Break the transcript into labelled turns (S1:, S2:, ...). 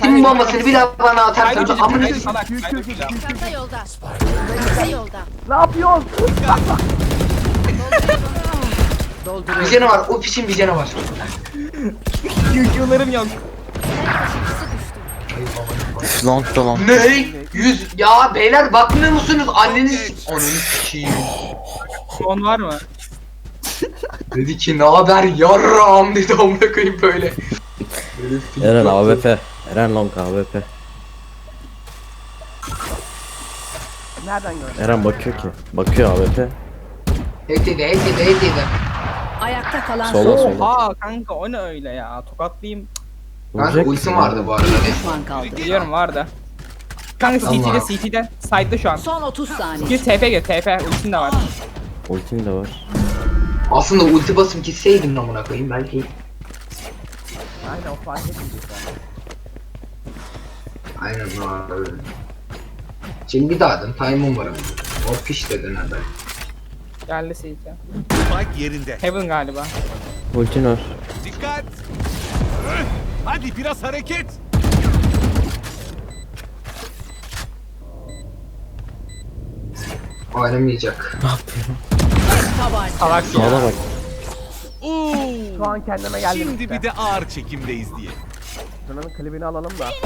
S1: Ultimin bombasını bir daha bana atarsanız amına
S2: Salak.
S3: Çanta yolda. Çanta yolda.
S4: Ne yapıyorsun?
S1: bir canı var. O piçin bir canı var.
S2: QQ'larım yok.
S5: Long da long.
S1: Ne? 100 ya beyler bakmıyor musunuz? Anneniz ananı sikeyim.
S2: Son var mı?
S1: Dedi ki ne haber yarram dedi amına koyayım böyle.
S5: Eren AWP. Eren long AWP.
S4: Nereden gördün?
S5: Eren bakıyor ki. Bakıyor AWP.
S1: Heydi.
S3: Ayakta kalan
S5: Sola
S3: son
S5: sola.
S2: Oha kanka o ne öyle ya? Tokatlayayım.
S1: Kanka
S5: Vuracak
S1: ultim
S5: mısın
S1: vardı
S5: ya?
S1: bu arada.
S3: düşman kaldı.
S2: Biliyorum vardı. Kanka
S1: Tamam.
S2: CT'de side'da şu an.
S3: Son 30 saniye.
S2: Gir TP ultin de var.
S5: Ultim de var.
S1: Aslında ulti basım gitseydim amına koyayım belki.
S4: Aynen o fark etmeyecek zaten.
S1: Aynen öyle. Şimdi bir daha adım time'ım var ama. O piş dedin hadi.
S2: Geldi CT.
S6: Spike yerinde.
S2: Heaven galiba.
S5: Ultin var.
S6: Dikkat. Hadi biraz hareket.
S1: Oynamayacak.
S3: Tabanca.
S2: Salak ya.
S5: Sağda bak.
S6: Oo.
S4: Şu an kendime geldim
S6: Şimdi
S4: işte.
S6: bir de ağır çekimdeyiz diye.
S4: Şunun klibini alalım da.